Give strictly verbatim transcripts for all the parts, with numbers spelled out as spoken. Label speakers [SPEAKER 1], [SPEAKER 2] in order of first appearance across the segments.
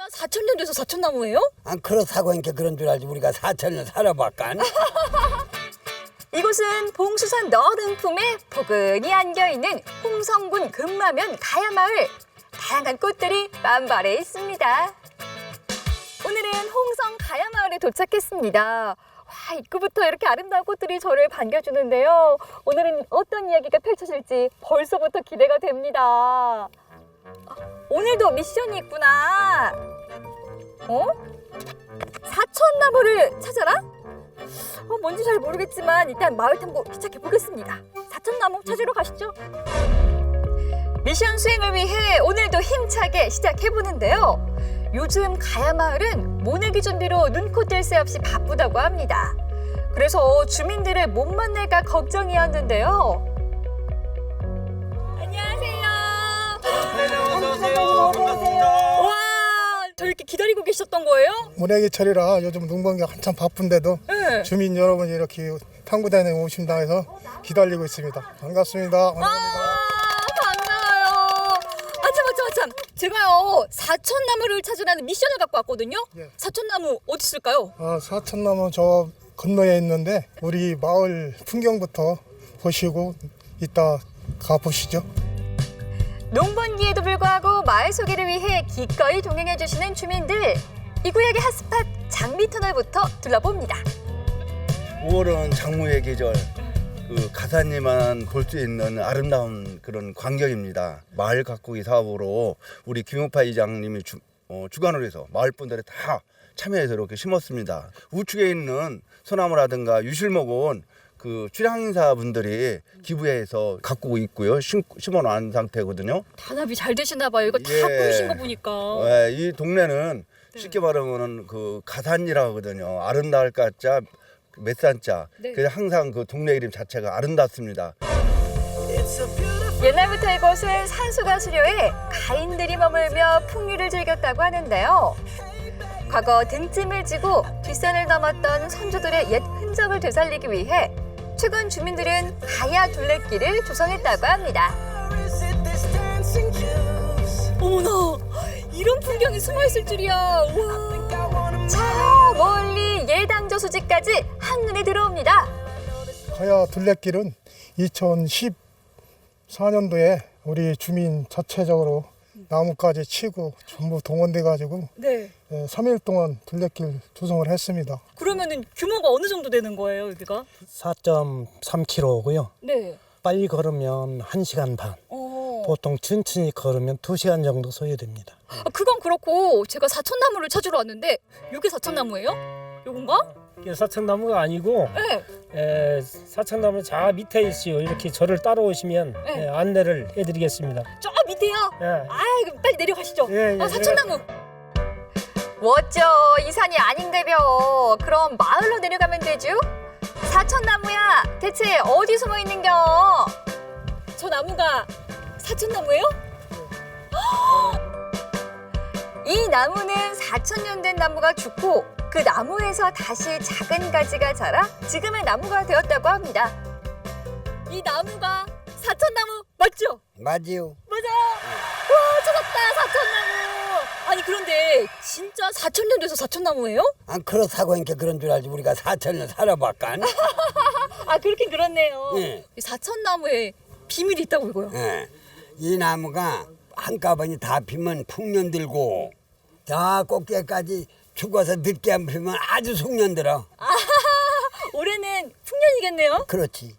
[SPEAKER 1] 사천 년 돼서 사천나무예요?
[SPEAKER 2] 안 그렇다고 하니까 그런 줄 알지. 우리가 사천 년 살아봤간.
[SPEAKER 1] 이곳은 봉수산 너른 품에 포근히 안겨있는 홍성군 금마면 가야마을. 다양한 꽃들이 만발해 있습니다. 오늘은 홍성 가야마을에 도착했습니다. 와, 입구부터 이렇게 아름다운 꽃들이 저를 반겨주는데요. 오늘은 어떤 이야기가 펼쳐질지 벌써부터 기대가 됩니다. 아, 오늘도 미션이 있구나. 어? 사천나무를 찾아라? 어, 뭔지 잘 모르겠지만 일단 마을 탐구 시작해 보겠습니다. 사천나무 찾으러 가시죠. 미션 수행을 위해 오늘도 힘차게 시작해 보는데요. 요즘 가야마을은 모내기 준비로 눈코 뗄 새 없이 바쁘다고 합니다. 그래서 주민들을 못 만날까 걱정이었는데요. 안녕하세요.
[SPEAKER 3] 안녕하세요. 반갑습니다.
[SPEAKER 1] 와, 저 이렇게 기다리고 계셨던 거예요?
[SPEAKER 4] 모내기철이라 요즘 농번기가 한참 바쁜데도
[SPEAKER 1] 네.
[SPEAKER 4] 주민 여러분이 이렇게 탐구단에 오신다 해서 기다리고 있습니다. 반갑습니다.
[SPEAKER 1] 아,
[SPEAKER 4] 반갑습니다.
[SPEAKER 1] 반가워요. 아참, 아참, 아참. 제가요, 사천나무를 찾으라는 미션을 갖고 왔거든요.
[SPEAKER 4] 예.
[SPEAKER 1] 사천나무 어디 있을까요?
[SPEAKER 4] 아, 사천나무 저 건너에 있는데 우리 마을 풍경부터 보시고 이따 가보시죠.
[SPEAKER 1] 농번기에도 불구하고 마을 소개를 위해 기꺼이 동행해 주시는 주민들. 이 구역의 핫스팟 장미터널부터 둘러봅니다.
[SPEAKER 2] 오월은 장무의 계절. 그 가사님만 볼 수 있는 아름다운 그런 광경입니다. 마을 가꾸기 사업으로 우리 김용파 이장님이 주, 어, 주관을 해서 마을 분들이 다 참여해서 이렇게 심었습니다. 우측에 있는 소나무라든가 유실목은 그 출향사 분들이 기부해서 가꾸고 있고요. 심, 심어놓은 상태거든요.
[SPEAKER 1] 단합이 잘 되시나 봐요. 이거 다
[SPEAKER 2] 예.
[SPEAKER 1] 꾸미신 거 보니까.
[SPEAKER 2] 네, 이 동네는 쉽게 말하면 그 가산이라고 하거든요. 아름다울 가자 몇 산자.
[SPEAKER 1] 네.
[SPEAKER 2] 그래서 항상 그 동네 이름 자체가 아름답습니다.
[SPEAKER 1] 옛날부터 이곳은 산수가 수려해 가인들이 머물며 풍류를 즐겼다고 하는데요. 과거 등짐을 지고 뒷산을 넘었던 선조들의 옛 흔적을 되살리기 위해 최근 주민들은 가야 둘레길을 조성했다고 합니다. 어머나, 이런 풍경이 숨어있을 줄이야. 우와. 저 멀리 예당저 수지까지 한눈에 들어옵니다.
[SPEAKER 4] 가야 둘레길은 이천십사 년도에 우리 주민 자체적으로 나무까지 치고 전부 동원돼 가지고
[SPEAKER 1] 네.
[SPEAKER 4] 삼 일 동안 둘레길 조성을 했습니다.
[SPEAKER 1] 그러면은 규모가 어느 정도 되는 거예요, 여기가?
[SPEAKER 5] 사 점 삼 킬로미터고요.
[SPEAKER 1] 네.
[SPEAKER 5] 빨리 걸으면 한 시간 반,
[SPEAKER 1] 어.
[SPEAKER 5] 보통 천천히 걸으면 두 시간 정도 소요됩니다.
[SPEAKER 1] 아, 그건 그렇고 제가 사천나무를 찾으러 왔는데 이게 사천나무예요? 요건가?
[SPEAKER 6] 이게 사천나무가 아니고
[SPEAKER 1] 네.
[SPEAKER 6] 에, 사천나무 저 밑에 있어요. 이렇게 저를 따라오시면
[SPEAKER 1] 네.
[SPEAKER 6] 에, 안내를 해드리겠습니다.
[SPEAKER 1] 저 밑에요?
[SPEAKER 6] 예.
[SPEAKER 1] 아, 그럼 빨리 내려가시죠.
[SPEAKER 6] 예, 예,
[SPEAKER 1] 아, 사천나무. 멋져. 이 산이 아닌데벼. 그럼 마을로 내려가면 되죠? 사천나무야. 대체 어디 숨어 있는겨? 저 나무가 사천나무예요? 이 나무는 사천 년 된 나무가 죽고 그 나무에서 다시 작은 가지가 자라 지금의 나무가 되었다고 합니다. 이 나무가 사천나무 맞죠?
[SPEAKER 2] 맞지요?
[SPEAKER 1] 맞아요. 와, 찾았다, 사천나무. 아니, 그런데 진짜 사천 년 돼서 사천나무예요?
[SPEAKER 2] 안 그렇다고 하니까 그런 줄 알지. 우리가 사천 년 살아봤간.
[SPEAKER 1] 아, 그렇긴 그렇네요.
[SPEAKER 2] 예.
[SPEAKER 1] 이 사천나무에 비밀이 있다고 이거요.
[SPEAKER 2] 예. 이 나무가 한꺼번에 다 피면 풍년 들고 다 꼭대기까지 죽어서 늦게 안 피면 아주 숙년 들어.
[SPEAKER 1] 올해는 풍년이겠네요.
[SPEAKER 2] 그렇지.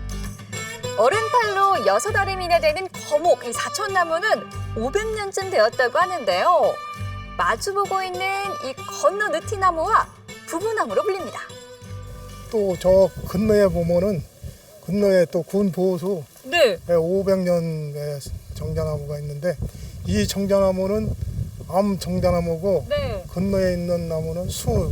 [SPEAKER 1] 어른팔로 여섯 알음이나 되는 거목, 이 사천나무는 오백 년쯤 되었다고 하는데요. 마주보고 있는 이 건너 느티나무와 부부나무로 불립니다.
[SPEAKER 4] 또 저 건너에 보면은 건너에 또 군 보호소
[SPEAKER 1] 네.
[SPEAKER 4] 오백 년의 정자나무가 있는데 이 정자나무는 암 정자나무고
[SPEAKER 1] 네.
[SPEAKER 4] 건너에 있는 나무는 수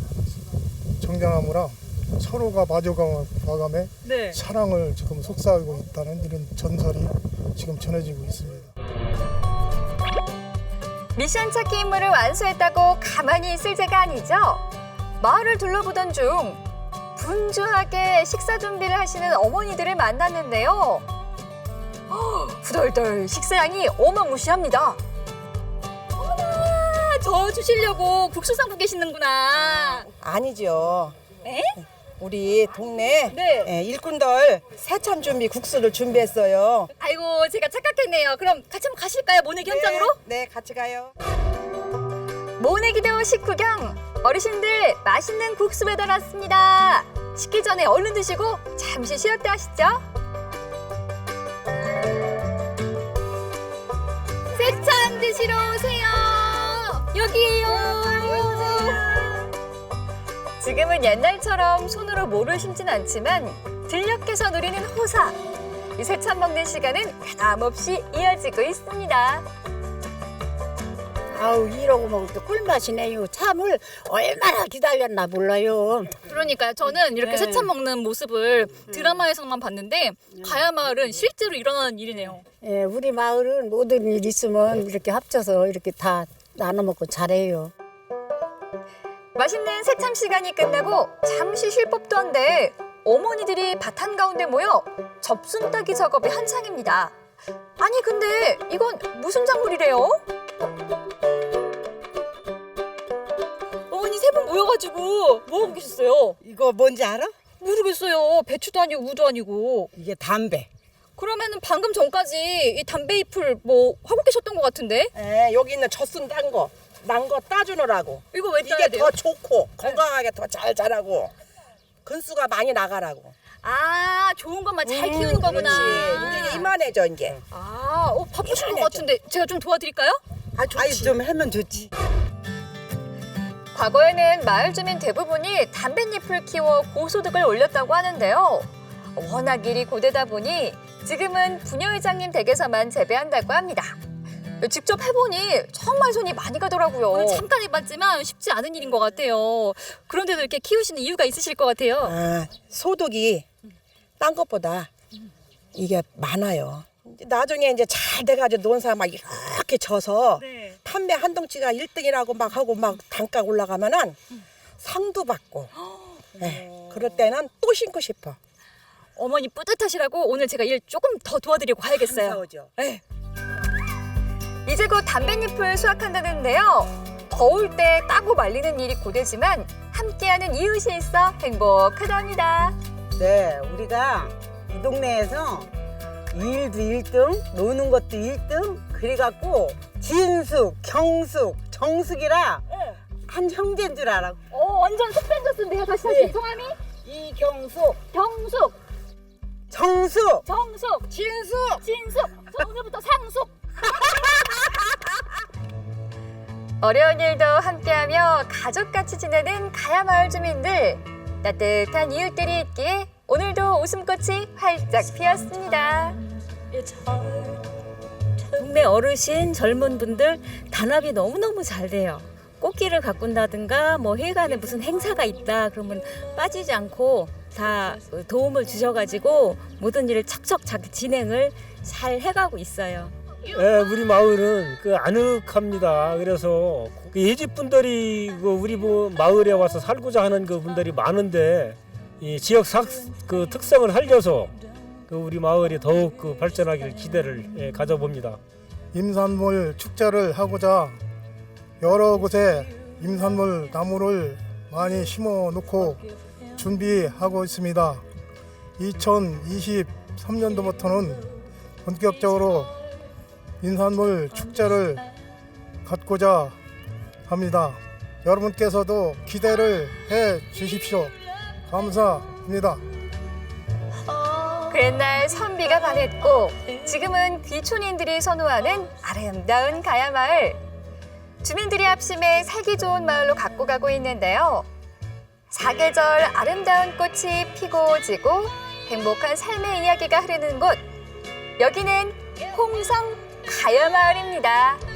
[SPEAKER 4] 정자나무라 서로가 마주가감에
[SPEAKER 1] 네.
[SPEAKER 4] 사랑을 지금 속삭이고 있다는 이런 전설이 지금 전해지고 있습니다.
[SPEAKER 1] 미션 찾기 임무를 완수했다고 가만히 있을 제가 아니죠. 마을을 둘러보던 중 분주하게 식사 준비를 하시는 어머니들을 만났는데요. 허, 후덜덜 식사량이 어마무시합니다. 어머나, 저 주시려고 국수 삶고 계시는구나.
[SPEAKER 3] 아니죠.
[SPEAKER 1] 에?
[SPEAKER 3] 우리 동네
[SPEAKER 1] 네.
[SPEAKER 3] 예, 일꾼들 새참 준비 국수를 준비했어요.
[SPEAKER 1] 아이고 제가 착각했네요. 그럼 같이 한번 가실까요? 모내기 현장으로?
[SPEAKER 3] 네, 네, 같이 가요.
[SPEAKER 1] 모내기도 식후경 어르신들 맛있는 국수 배달 왔습니다. 식기 전에 얼른 드시고 잠시 쉬었다 하시죠. 새참 드시러 오세요. 여기에요. 지금은 옛날처럼 손으로 모를 심진 않지만 들녘에서 누리는 호사. 이 새참 먹는 시간은 변함없이 이어지고 있습니다.
[SPEAKER 7] 아우 이러고 먹을 때 꿀맛이네요. 참을 얼마나 기다렸나 몰라요.
[SPEAKER 1] 그러니까요. 저는 이렇게
[SPEAKER 7] 네.
[SPEAKER 1] 새참 먹는 모습을 드라마에서만 봤는데 가야 마을은 실제로 일어나는 일이네요.
[SPEAKER 7] 예, 우리 마을은 모든 일 있으면 이렇게 합쳐서 이렇게 다 나눠 먹고 잘해요.
[SPEAKER 1] 맛있는 새참 시간이 끝나고 잠시 쉴 법도 한데 어머니들이 밭 한가운데 모여 접순 따기 작업이 한창입니다. 아니 근데 이건 무슨 작물이래요? 어머니 세 분 모여가지고 뭐하고 계셨어요?
[SPEAKER 3] 이거 뭔지 알아?
[SPEAKER 1] 모르겠어요. 배추도 아니고 우도 아니고.
[SPEAKER 3] 이게 담배.
[SPEAKER 1] 그러면은 방금 전까지 이 담배 잎을 뭐 하고 계셨던 것 같은데?
[SPEAKER 3] 예, 여기 있는 젖순 딴 거, 난 거 따주느라고.
[SPEAKER 1] 이거 왜 따야
[SPEAKER 3] 이게
[SPEAKER 1] 돼요?
[SPEAKER 3] 더 좋고 건강하게 더 잘 자라고 근수가 많이 나가라고.
[SPEAKER 1] 아 좋은 것만 잘 키우는 거구나.
[SPEAKER 3] 그렇지. 이제 이게 이만해져 이게.
[SPEAKER 1] 아, 어, 바쁘신 것
[SPEAKER 3] 이만해져.
[SPEAKER 1] 같은데 제가 좀 도와드릴까요?
[SPEAKER 3] 아, 좋지. 좀 하면 좋지.
[SPEAKER 1] 과거에는 마을 주민 대부분이 담뱃잎을 키워 고소득을 올렸다고 하는데요. 워낙 일이 고되다 보니 지금은 부녀회장님 댁에서만 재배한다고 합니다. 직접 해보니 정말 손이 많이 가더라고요. 오늘 잠깐 해봤지만 쉽지 않은 일인 것 같아요. 그런데도 이렇게 키우시는 이유가 있으실 것 같아요.
[SPEAKER 3] 아, 소득이 딴 것보다 이게 많아요. 이제 나중에 이제 잘 돼가지고 논 사람 막 이렇게 져서
[SPEAKER 1] 네.
[SPEAKER 3] 판매 한 덩치가 일 등이라고 막 하고 막 단가 올라가면은 상도 받고. 네, 그럴 때는 또 신고 싶어.
[SPEAKER 1] 어머니 뿌듯하시라고 오늘 제가 일 조금 더 도와드리고 가야겠어요.
[SPEAKER 3] 감사하죠.
[SPEAKER 1] 네. 이제 곧 담뱃잎을 수확한다는데요. 더울 때 따고 말리는 일이 고되지만 함께하는 이웃이 있어 행복하답니다.
[SPEAKER 8] 네, 우리가 이 동네에서 일도 일 등, 노는 것도 일 등, 그래갖고 진숙, 경숙, 정숙이라 한 형제인 줄 알아.
[SPEAKER 1] 어, 완전 속된졌는데요. 다시 다시
[SPEAKER 8] 네.
[SPEAKER 1] 성함이?
[SPEAKER 8] 이경숙,
[SPEAKER 1] 경숙,
[SPEAKER 8] 정숙,
[SPEAKER 1] 정숙,
[SPEAKER 8] 진숙.
[SPEAKER 1] 진숙. 저 오늘부터 상숙. 어려운 일도 함께하며 가족같이 지내는 가야 마을 주민들. 따뜻한 이웃들이 있기에 오늘도 웃음꽃이 활짝 피었습니다.
[SPEAKER 9] 동네 어르신, 젊은 분들 단합이 너무너무 잘 돼요. 꽃길을 가꾼다든가 뭐 회관에 무슨 행사가 있다 그러면 빠지지 않고 다 도움을 주셔가지고 모든 일을 척척 자기 진행을 잘 해가고 있어요.
[SPEAKER 6] 예, 우리 마을은 그 아늑합니다. 그래서 그 예집 분들이 그 우리 뭐 마을에 와서 살고자 하는 그 분들이 많은데 이 지역 삭, 그 특성을 살려서 그 우리 마을이 더욱 그 발전하기를 기대를 예, 가져봅니다.
[SPEAKER 4] 임산물 축제를 하고자 여러 곳에 임산물 나무를 많이 심어 놓고 준비하고 있습니다. 이천이십삼 년도부터는 본격적으로 임산물 축제를 갖고자 합니다. 여러분께서도 기대를 해 주십시오. 감사합니다.
[SPEAKER 1] 그 옛날 선비가 반했고 지금은 귀촌인들이 선호하는 아름다운 가야 마을. 주민들이 합심해 살기 좋은 마을로 갖고 가고 있는데요. 사계절 아름다운 꽃이 피고 지고 행복한 삶의 이야기가 흐르는 곳. 여기는 홍성 가야 마을입니다.